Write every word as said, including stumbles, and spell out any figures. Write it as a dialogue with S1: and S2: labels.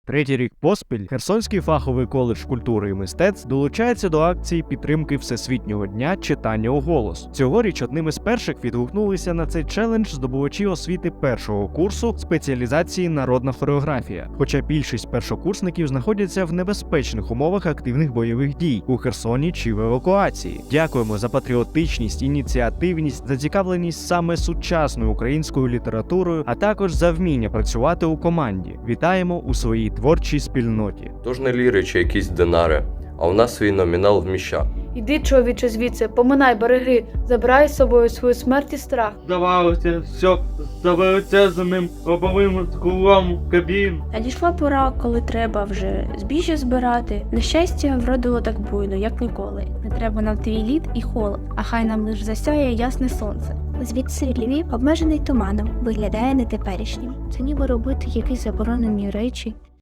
S1: Третій рік поспіль Херсонський фаховий коледж культури і мистецтв долучається до акції підтримки Всесвітнього дня читання у голос. Цьогоріч одним із перших відгукнулися на цей челендж здобувачі освіти першого курсу спеціалізації народна хореографія. Хоча більшість першокурсників знаходяться в небезпечних умовах активних бойових дій у Херсоні чи в евакуації. Дякуємо за патріотичність, ініціативність, зацікавленість саме сучасною українською літературою, а також за вміння працювати у команді. Вітаємо у своїй творчій спільноті.
S2: Тож не ліри чи якісь динари, а у нас свій номінал вміща.
S3: Іди, чоловіче, звідси, поминай береги, забирай з собою свою смерть і страх.
S4: Здавалося, що за величезним лобовим склом кабін.
S5: Надійшла пора, коли треба вже збіжжя збирати. Нещастя вродило так буйно, як ніколи. Не треба нам твій лід і холод, а хай нам лиш засяє ясне сонце.
S6: Звідси Львів, обмежений туманом, виглядає нетеперішнім. Це ніби робити якісь заборонені речі.